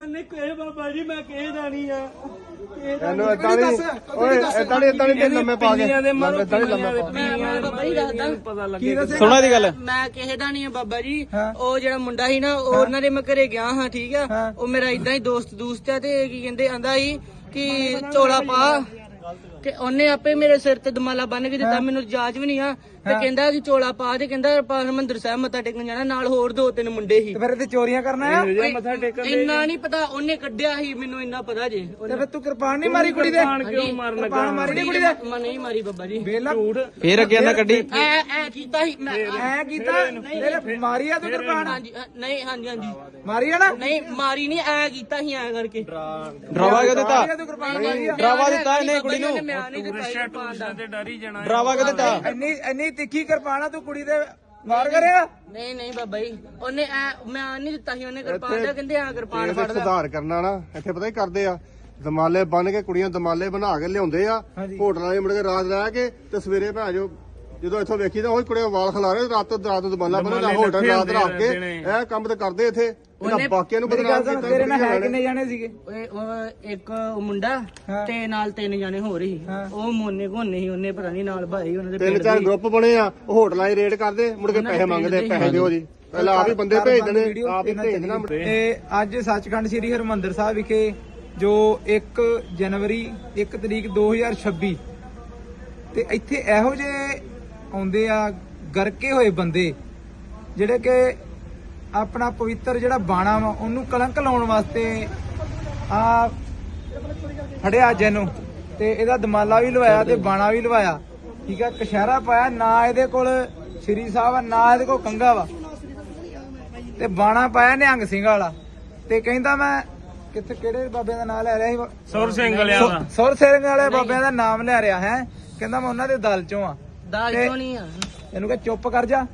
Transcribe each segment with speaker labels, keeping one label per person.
Speaker 1: ਨਹੀਂ ਬਾਬਾ ਜੀ ਮੈਂ ਕਿਸੇ ਦਾ ਨਹੀਂ ਆ
Speaker 2: ਇਹਨੂੰ ਇਦਾਂ ਨਹੀਂ ਓਏ ਇਦਾਂ ਨਹੀਂ ਲੰਮੇ ਪਾ ਕੇ ਇਦਾਂ ਨਹੀਂ ਲੰਮੇ
Speaker 1: ਪਤਾ ਲੱਗੇ
Speaker 3: ਸੁਣਾ ਦੀ ਗੱਲ
Speaker 4: ਮੈਂ ਕਿਸੇ ਦਾ ਨਹੀਂ ਆ ਬਾਬਾ ਜੀ। ਉਹ ਜਿਹੜਾ ਮੁੰਡਾ ਸੀ ਨਾ ਉਹਨਾਂ ਦੇ ਮੈਂ ਘਰੇ ਗਿਆ ਹਾਂ, ਠੀਕ ਆ। ਉਹ ਮੇਰਾ ਇਦਾਂ ਹੀ ਦੋਸਤ ਆ ਤੇ ਕੀ ਕਹਿੰਦੇ ਆਂਦਾ ਸੀ ਕਿ ਚੋਲਾ ਪਾ, ਤੇ ਉਹਨੇ ਆਪੇ ਮੇਰੇ ਸਿਰ ਤੇ ਦਮਾਲਾ ਬੰਨ ਕੇ ਦਿੱਤਾ, ਮੈਨੂੰ ਜਾਚ ਵੀ ਨਹੀਂ ਆ। ਤੇ ਕਹਿੰਦਾ ਕਿ ਚੋਲਾ ਪਾ, ਤੇ ਕਹਿੰਦਾ ਹਰਿਮੰਦਰ ਸਾਹਿਬ ਮੱਥਾ ਟੇਕਣ ਜਾਣਾ, ਨਾਲ ਹੋਰ 2-3 ਮੁੰਡੇ ਸੀ।
Speaker 3: ਫਿਰ ਤੇ ਚੋਰੀਆਂ ਕਰਨਾ ਆ
Speaker 1: ਮੱਥਾ ਟੇਕਣ
Speaker 4: ਇੰਨਾ ਨਹੀਂ ਪਤਾ, ਉਹਨੇ ਕੱਢਿਆ ਸੀ, ਮੈਨੂੰ ਇੰਨਾ ਪਤਾ ਜੇ।
Speaker 3: ਤੇ ਫਿਰ ਤੂੰ ਕਿਰਪਾਨ ਨਹੀਂ ਮਾਰੀ ਕੁੜੀ ਦੇ?
Speaker 1: ਕਿਉਂ ਮਾਰਨ ਲੱਗਾ?
Speaker 3: ਕਿਰਪਾਨ ਮਾਰੀ ਨਹੀਂ ਕੁੜੀ ਦੇ?
Speaker 4: ਮੈਂ ਨਹੀਂ ਮਾਰੀ ਬਾਬਾ ਜੀ।
Speaker 3: ਵੇਲਾ
Speaker 5: ਫੇਰ ਅੱਗੇ ਨਾ ਕੱਢੀ
Speaker 4: ਐ ਕੀਤਾ ਸੀ ਮੈਂ।
Speaker 3: ਐ ਕੀਤਾ ਤੇਰੇ ਮਾਰੀ ਆ ਤੂੰ ਕਿਰਪਾਨ?
Speaker 4: ਹਾਂਜੀ ਨਹੀਂ, ਹਾਂਜੀ
Speaker 3: ਮਾਰੀ ਆ ਨਾ?
Speaker 4: ਨਹੀਂ ਮਾਰੀ ਨਹੀਂ, ਐ ਕੀਤਾ ਸੀ ਐ ਕਰਕੇ।
Speaker 5: ਡਰਾਵਾ ਕਿਉਂ ਦਿੱਤਾ?
Speaker 3: ਤੂੰ ਕਿਰਪਾਨ ਮਾਰੀ ਆ?
Speaker 5: ਡਰਾਵਾ ਦਿੱਤਾ ਇਹਨੇ ਕੁੜੀ ਨੂੰ?
Speaker 4: ਮੈਂ ਨਹੀਂ ਦਿੱਤਾ ਸੀ ਕਿਰਪਾਨ ਦਾ।
Speaker 1: ਤੇ ਡਰ ਹੀ ਜਾਣਾ।
Speaker 5: ਡਰਾਵਾ ਕਿਉਂ ਦਿੱਤਾ?
Speaker 3: ਇੰਨੀ ਤਿੱਖੀ ਕਿਰਪਾਨ ਆ ਤੂੰ ਕੁੜੀ ਦੇ ਵਾਰ ਕਰਿਆ?
Speaker 4: ਨਹੀਂ ਬਾਬਾ ਜੀ, ਉਹਨੇ ਮੈਂ ਨਹੀਂ ਦਿੱਤਾ ਸੀ, ਉਹਨੇ ਕਿਰਪਾਨ ਦਾ। ਕਹਿੰਦੇ ਆ ਕਿਰਪਾਨ ਫੜ ਲੈ।
Speaker 2: ਸੁਧਾਰ ਕਰਨਾ ਨਾ ਇੱਥੇ ਪਤਾ ਹੀ ਕਰਦੇ ਆ, ਦਮਾਲੇ ਬੰਨ ਕੇ ਕੁੜੀਆਂ ਦਮਾਲੇ ਬਣਾ ਕੇ ਲਿਆਉਂਦੇ ਆ ਹੋਟਲਾਂ ਦੇ ਮੁੜ ਕੇ ਰਾਤ ਰਹਿ ਕੇ ਤੇ ਸਵੇਰੇ ਭਾਜੋ ਜਦੋਂ ਇੱਥੋਂ ਵੇਖੀ ਤਾਂ ਉਹ ਕੁੜੀਆਂ ਵਾਲ ਖਿਲਾ ਰਹੇ ਰਾਤ ਨੂੰ ਦਮਾਲਾ ਬੰਨਦਾ ਹੋਟਲ ਰਾਤ ਰੱਖ ਕੇ ਇਹ ਕੰਮ ਤੇ ਕਰਦੇ ਇੱਥੇ ਇਹਨਾਂ ਬਾਕੀਆਂ ਨੂੰ ਬਦਨਾਮ ਕੀਤਾ।
Speaker 3: ਤੇਰੇ ਨਾਲ ਹੈ ਕਿੰਨੇ ਜਾਣੇ ਸੀਗੇ?
Speaker 4: ਉਹ ਇੱਕ ਮੁੰਡਾ ਤੇ ਨਾਲ 3 ਜਾਣੇ ਹੋਰ ਸੀ। ਉਹ ਮੋਨੇ ਘੋਨੇ ਸੀ, ਉਹਨੇ ਪਤਾ ਨਹੀਂ ਨਾਲ ਭਾਈ ਉਹਨਾਂ ਦੇ
Speaker 2: 3-4 ਗਰੁੱਪ ਬਣੇ ਆ, ਉਹ ਹੋਟਲਾਂ 'ਚ ਰੇਡ ਕਰਦੇ ਮੁੜ ਕੇ ਪੈਸੇ ਮੰਗਦੇ, ਪੈਸੇ ਦਿਓ ਜੀ। ਪਹਿਲਾਂ ਆਪ ਹੀ ਬੰਦੇ ਭੇਜ ਦੇਣੇ, ਆਪ ਹੀ ਭੇਜ ਦੇਣਾ।
Speaker 3: ਤੇ ਅੱਜ ਸੱਚਖੰਡ ਸ੍ਰੀ ਹਰਿਮੰਦਰ ਸਾਹਿਬ ਵਿਖੇ ਜੋ 1 ਜਨਵਰੀ 1 ਤਰੀਕ 2026 ਤੇ ਇੱਥੇ ਇਹੋ ਜਿਹੇ ਆਉਂਦੇ ਆ ਗਰਕੇ ਹੋਏ ਬੰਦੇ ਜਿਹੜੇ ਕਿ ਆਪਣਾ ਪਵਿੱਤਰ ਜਿਹੜਾ ਬਾਣਾ ਵਾ ਉਹਨੂੰ ਕਲੰਕ ਲਾਉਣ ਵਾਸਤੇ ਆ ਫੜਿਆ ਜੈਨੂੰ, ਤੇ ਇਹਦਾ ਦਮਾਲਾ ਵੀ ਲਵਾਇਆ ਤੇ ਬਾਣਾ ਵੀ ਲਵਾਇਆ, ਠੀਕ ਆ। ਕਸ਼ਹਿਰਾ ਪਾਇਆ, ਨਾ ਇਹਦੇ ਕੋਲ ਸ਼੍ਰੀ ਸਾਹਿਬ ਆ, ਨਾ ਇਹਦੇ ਕੋਲ ਕੰਗਾ ਵਾ, ਤੇ ਬਾਣਾ ਪਾਇਆ ਨਿਹੰਗ ਸਿੰਘ ਵਾਲਾ। ਤੇ ਕਹਿੰਦਾ ਮੈਂ ਕਿੱਥੇ ਕਿਹੜੇ ਬਾਬਿਆਂ ਦਾ ਨਾਮ ਲੈ ਰਿਹਾ ਸੀ?
Speaker 1: ਸੁਰ ਸਿੰਘ ਵਾਲਿਆਂ ਦਾ।
Speaker 3: ਸੁਰ ਸਿੰਘ ਵਾਲੇ ਬਾਬਿਆਂ ਦਾ ਨਾਮ ਲੈ ਰਿਹਾ ਹੈ। ਕਹਿੰਦਾ ਮੈਂ ਉਹਨਾਂ ਦੇ ਦਲ ਚੋਂ ਆ।
Speaker 4: ਦਾਲ ਕਿਉਂ ਨਹੀਂ ਆ?
Speaker 3: ਇਹਨੂੰ ਕਹ ਚੁੱਪ ਕਰ ਜਾ।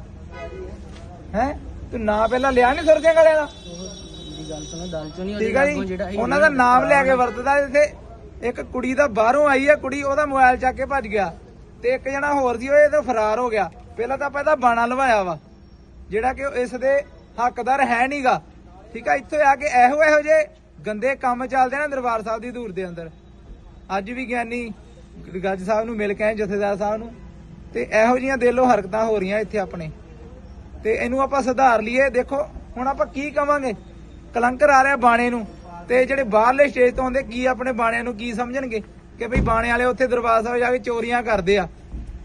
Speaker 4: ਠੀਕ
Speaker 3: ਹੈ ਤੂੰ ਨਾਂ ਪਹਿਲਾਂ ਲਿਆ ਨਹੀਂ ਸੁਰ ਸਿੰਘ ਵਾਲਿਆਂ ਦਾ?
Speaker 4: ਦੀ ਗੱਲ ਸੁਣੋ, ਦਾਲ ਚੋਂ ਨਹੀਂ।
Speaker 3: ਠੀਕ ਆ ਜੀ, ਉਹਨਾਂ ਦਾ ਨਾਮ ਲੈ ਕੇ ਵਰਤਦਾ। ਇੱਥੇ ਇੱਕ ਕੁੜੀ ਦਾ ਬਾਹਰੋਂ ਆਈ ਆ, ਕੁੜੀ ਉਹਦਾ ਮੋਬਾਈਲ ਚੱਕ ਕੇ ਭੱਜ ਗਿਆ, ਤੇ ਇੱਕ ਜਣਾ ਹੋਰ ਸੀ ਉਹ ਇਹ ਤੋਂ ਫਰਾਰ ਹੋ ਗਿਆ। ਪਹਿਲਾਂ ਤਾਂ ਆਪਾਂ ਇਹਦਾ ਬਾਣਾ ਲਵਾਇਆ ਵਾ ਜਿਹੜਾ ਕਿ ਇਸ ਦੇ ਹੱਕਦਾਰ ਹੈ ਨਹੀਂਗਾ, ਠੀਕ ਆ। ਇੱਥੇ ਆ ਕੇ ਇਹੋ ਜਿਹੇ ਗੰਦੇ ਕੰਮ ਚੱਲਦੇ ਨਾ ਦਰਬਾਰ ਸਾਹਿਬ ਦੀ ਧੂੜ ਦੇ ਅੰਦਰ। ਅੱਜ ਵੀ ਗਿਆਨੀ ਗੱਜ ਸਾਹਿਬ ਨੂੰ ਮਿਲ ਕੇ ਆਏ, ਜਥੇਦਾਰ ਸਾਹਿਬ ਨੂੰ, ਤੇ ਇਹੋ ਜਿਹੀਆਂ ਦਿਲੋਂ ਹਰਕਤਾਂ ਹੋ ਰਹੀਆਂ ਇੱਥੇ ਆਪਣੇ, ਤੇ ਇਹਨੂੰ ਆਪਾਂ ਸੁਧਾਰ ਲਈਏ। ਦੇਖੋ ਹੁਣ ਆਪਾਂ ਕੀ ਕਵਾਂਗੇ, ਕਲੰਕਰ ਆ ਰਿਹਾ ਬਾਣੇ ਨੂੰ, ਤੇ ਜਿਹੜੇ ਬਾਹਰਲੇ ਸਟੇਜ ਤੋਂ ਆਉਂਦੇ ਕੀ ਆਪਣੇ ਬਾਣਿਆਂ ਨੂੰ ਕੀ ਸਮਝਣਗੇ ਕਿ ਭਈ ਬਾਣੇ ਵਾਲੇ ਉੱਥੇ ਦਰਬਾਰ ਸਾਹਿਬ ਜਾ ਕੇ ਚੋਰੀਆਂ ਕਰਦੇ ਆ।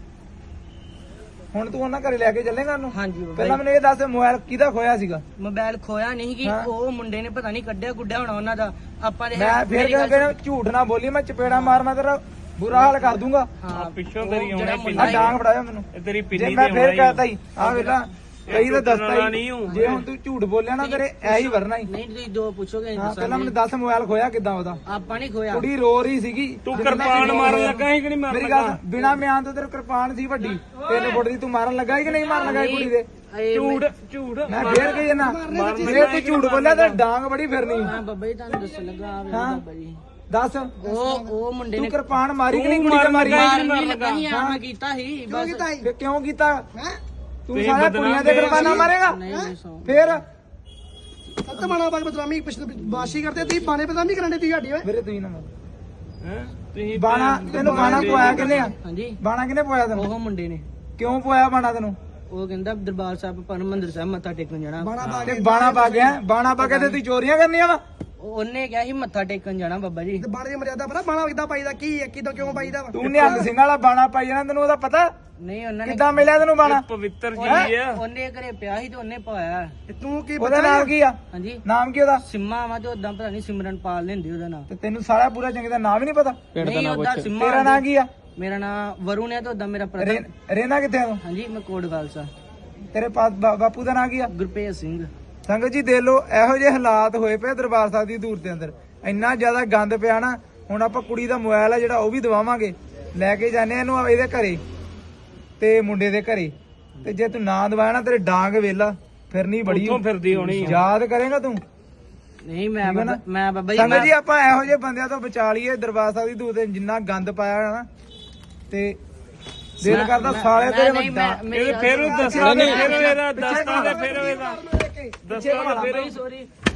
Speaker 3: ਹੁਣ ਤੂੰ ਉਹਨਾਂ ਘਰੇ ਲੈ ਕੇ ਚੱਲੇਗਾ ਉਹਨੂੰ?
Speaker 4: ਹਾਂਜੀ
Speaker 3: ਪਹਿਲਾਂ ਮੈਨੂੰ ਇਹ ਦੱਸ, ਮੋਬਾਈਲ ਕਿਹਦਾ ਖੋਇਆ ਸੀਗਾ?
Speaker 4: ਮੋਬਾਈਲ ਖੋਇਆ ਨਹੀਂ ਕਿ ਉਹ ਮੁੰਡੇ ਨੇ ਪਤਾ ਨਹੀਂ ਕੱਢਿਆ ਗੁੱਡਿਆ ਹੋਣਾ ਉਹਨਾਂ ਦਾ। ਆਪਾਂ
Speaker 3: ਮੈਂ ਫਿਰ ਕਹਿੰਦਾ ਝੂਠ ਨਾ ਬੋਲੀ, ਮੈਂ ਚਪੇੜਾ ਮਾਰ ਤੇਰਾ ਬੁਰਾ ਹਾਲ ਕਰ ਦੂੰਗਾ।
Speaker 4: ਹਾਂ
Speaker 1: ਪਿੱਛੋਂ ਤੇਰੀ ਆਉਣਾ
Speaker 3: ਆ ਡਾਂਗ ਫੜਾਇਆ ਮੈਨੂੰ,
Speaker 1: ਤੇਰੀ
Speaker 3: ਜੇ
Speaker 1: ਪਿੰਨੀ
Speaker 3: ਮੈਂ
Speaker 1: ਤੇ
Speaker 3: ਫਿਰ
Speaker 1: ਆਉਣਾ
Speaker 3: ਕਹਤਾ ਹੀ ਆ ਵੇਲਾ ਕਈ ਤਾਂ ਦੱਸਦਾ ਹੀ।
Speaker 1: ਨਹੀਂ ਹੂੰ।
Speaker 3: ਜੇ ਹੁਣ ਤੂੰ ਝੂਠ ਬੋਲਿਆ ਨਾ ਤੇਰੇ ਐ ਹੀ ਵਰਨਾ ਹੀ।
Speaker 4: ਨਹੀਂ ਤੁਸੀਂ ਦੋ ਪੁੱਛੋਗੇ
Speaker 3: ਹਾਂ ਪਹਿਲਾਂ ਮੈਨੂੰ ਦੱਸ ਮੋਬਾਈਲ ਖੋਇਆ ਕਿੱਦਾਂ ਉਹਦਾ?
Speaker 4: ਆਪਾਂ ਨਹੀਂ ਖੋਇਆ।
Speaker 3: ਕੁੜੀ ਰੋ ਰਹੀ ਸੀਗੀ।
Speaker 1: ਤੂੰ ਕਿਰਪਾਨ ਮਾਰਨ ਲੱਗਾ ਸੀ ਕਿ ਨਹੀਂ ਮਾਰਨ
Speaker 3: ਮੇਰੀ ਗੱਲ ਬਿਨਾ ਮਿਆਨ ਤੋਂ ਤੇਰੇ ਕਿਰਪਾਨ ਸੀ ਵੱਡੀ 3 ਫੁੱਟ ਦੀ, ਤੂੰ ਮਾਰਨ ਲੱਗਾ ਸੀ ਕਿ ਨਹੀਂ ਮਾਰਨ ਲੱਗਾ ਕੁੜੀ ਦੇ?
Speaker 1: ਝੂਠ
Speaker 3: ਮੈਂ ਫੇਰ ਕਹੀ ਨਾ, ਜੇ ਤੂੰ ਝੂਠ ਬੋਲਿਆ ਤਾਂ ਡਾਂਗ ਬੜੀ ਫਿਰਨੀ।
Speaker 4: ਹਾਂ ਬਾਬਾ ਜੀ ਤੁਹਾਨੂੰ ਦੱਸਣ ਲੱਗਾ ਆ ਬਾਬਾ ਜੀ।
Speaker 3: ਦੱਸ
Speaker 4: ਉਹ ਮੁੰਡੇ
Speaker 3: ਤੂੰ
Speaker 4: ਨੇ
Speaker 3: ਕਿਰਪਾਨ ਮਾਰੀ ਕਿ ਨਹੀਂ ਕੁੜੀ ਤੇ ਮਾਰੀ?
Speaker 4: ਲੱਗਾ ਸੀ ਆ ਮੈਂ ਕੀਤਾ ਸੀ ਬਸ।
Speaker 3: ਫਿਰ ਕਿਉਂ ਕੀਤਾ? ਤੂੰ ਸਾਰਾ ਕੁੜੀਆਂ ਦੇ ਕਿਰਪਾਨਾਂ ਮਾਰੇਗਾ? ਫਿਰ
Speaker 6: ਸੱਤ ਬਾਣਾ ਬਾਗ ਬਦਨਾਮੀ ਬਾਸ਼ੀ ਕਰਦੇ ਤੀ ਬਾਣੇ ਬਦਨਾਮੀ ਕਰਨ ਦੇ ਤੀ ਸਾਡੀ ਓਏ
Speaker 3: ਮੇਰੇ ਤੁਸੀਂ ਨਾ
Speaker 1: ਤੁਸੀਂ
Speaker 3: ਬਾਣਾ ਤੈਨੂੰ ਬਾਣਾ ਪਵਾਇਆ ਕਿੰਨੇ ਆ?
Speaker 4: ਹਾਂਜੀ
Speaker 3: ਬਾਣਾ ਕਿੰਨੇ ਪਵਾਇਆ ਤੈਨੂੰ?
Speaker 4: ਉਹ ਮੁੰਡੇ ਨੇ।
Speaker 3: ਕਿਉਂ ਪਵਾਇਆ ਬਾਣਾ ਤੈਨੂੰ?
Speaker 4: ਉਹ ਕਹਿੰਦਾ ਦਰਬਾਰ ਸਾਹਿਬ ਹਰਿਮੰਦਰ ਸਾਹਿਬ ਮੱਥਾ ਟੇਕਣ ਜਾਣਾ।
Speaker 3: ਤੇ ਬਾਣਾ ਪਾ ਗਿਆ, ਬਾਣਾ ਪਾ ਕੇ ਤੇ ਤੂੰ ਚੋਰੀਆਂ ਕਰਨੀਆਂ ਵਾ?
Speaker 4: ਉਹਨੇ ਕਿਹਾ ਸੀ ਮੱਥਾ ਟੇਕਣ ਜਾਣਾ ਬਾਬਾ ਜੀ।
Speaker 6: ਤੇ ਬਾਣੇ ਦੀ ਮਰਿਆਦਾ ਪਤਾ ਬਾਣਾ ਕਿੱਦਾਂ ਪਾਈਦਾ, ਕੀ ਹੈ ਕਿਦੋਂ ਕਿਉਂ ਪਾਈਦਾ ਵਾ?
Speaker 3: ਤੂੰ ਨਿਹੰਗ ਸਿੰਘ ਵਾਲਾ ਬਾਣਾ ਪਾਈ ਜਾਣਾ, ਤੈਨੂੰ ਉਹਦਾ ਪਤਾ?
Speaker 4: ਨਹੀਂ ਉਹਨਾਂ ਨੇ
Speaker 3: ਕਿੱਦਾਂ ਮਿਲਿਆ ਤੈਨੂੰ ਬਾਣਾ?
Speaker 1: ਪਵਿੱਤਰ ਜੀ ਆ।
Speaker 4: ਉਹਨੇ ਘਰੇ ਪਿਆ ਸੀ ਤੇ ਉਹਨੇ ਪਾਇਆ।
Speaker 6: ਤੇ ਤੂੰ ਕੀ
Speaker 3: ਉਹਦਾ ਨਾਮ ਕੀ ਆ?
Speaker 4: ਹਾਂਜੀ
Speaker 3: ਨਾਮ ਕੀ ਉਹਦਾ?
Speaker 4: ਸਿੰਮਾ ਵਾ ਤੇ ਉਦਾਂ ਪਤਾ ਨਹੀਂ ਸਿਮਰਨਪਾਲ ਲੈਂਦੇ ਉਹਦਾ ਨਾਮ।
Speaker 3: ਤੇ ਤੈਨੂੰ ਸਾਰਾ ਪੂਰਾ ਚੰਗੀ ਦਾ ਨਾਮ ਹੀ ਨਹੀਂ ਪਤਾ?
Speaker 4: ਨਹੀਂ ਉਹਦਾ ਸਿੰਮਾ।
Speaker 3: ਤੇਰਾ ਨਾਮ ਕੀ ਆ?
Speaker 4: ਮੇਰਾ ਨਾਮ ਵਰੁਣ ਹੈ ਤੇ ਉਦਾਂ ਮੇਰਾ ਬ੍ਰਦਰ।
Speaker 3: ਰਹਿਣਾ ਕਿੱਥੇ ਆ ਤੂੰ?
Speaker 4: ਹਾਂਜੀ ਮੈਂ ਕੋਟ ਖਾਲਸਾ।
Speaker 3: ਤੇਰੇ ਬਾਪੂ ਦਾ ਨਾਮ ਕੀ ਆ?
Speaker 4: ਗੁਰਪ੍ਰੀਤ ਸਿੰਘ।
Speaker 3: ਸੰਗਤ ਜੀ ਦੇਖ ਲਓ ਇਹੋ ਜਿਹੇ ਹਾਲਾਤ ਹੋਏ ਪਏ ਦਰਬਾਰ ਸਾਹਿਬ ਦੀ ਧੂੜ ਦੇ ਅੰਦਰ, ਇੰਨਾ ਜ਼ਿਆਦਾ ਗੰਦ ਪਿਆ ਨਾ। ਹੁਣ ਆਪਾਂ ਕੁੜੀ ਦਾ ਮੋਬਾਈਲ ਆ ਜਿਹੜਾ ਉਹ ਵੀ ਦਵਾਵਾਂਗੇ, ਲੈ ਕੇ ਜਾਂਦੇ ਆ ਇਹਨੂੰ ਇਹਦੇ ਘਰੇ ਤੇ ਮੁੰਡੇ ਦੇ ਘਰੇ, ਤੇ ਜੇ ਤੂੰ ਨਾ ਦਵਾਇਆ ਨਾ ਤੇਰੇ ਡਾਂਗ ਵੇਲਾ ਫਿਰਨੀ ਬੜੀ
Speaker 1: ਫਿਰਦੀ ਹੋਣੀ
Speaker 3: ਯਾਦ ਕਰੇਗਾ ਤੂੰ।
Speaker 4: ਨਹੀਂ ਮੈਂ ਬਾਬਾ ਜੀ
Speaker 3: ਸੰਗਤ ਜੀ ਆਪਾਂ ਇਹੋ ਜਿਹੇ ਬੰਦਿਆਂ ਤੋਂ ਬਚਾ ਲਈਏ ਦਰਬਾਰ ਸਾਹਿਬ ਦੀ ਧੂੜ ਤੇ। ਜਿੰਨਾ ਗੰਦ ਪਾਇਆ ਨਾ ਤੇ ਦਿਲ ਕਰਦਾ ਸਾਲੇ ਤੇਰੇ
Speaker 1: ਫਿਰ ਦੱਸਣਾ, ਫਿਰ ਇਹਦਾ ਦੱਸਣਾ ਤੇ ਫਿਰ ਇਹਦਾ ਦੱਸਣਾ ਤੇ ਫਿਰ
Speaker 4: ਸੋਰੀ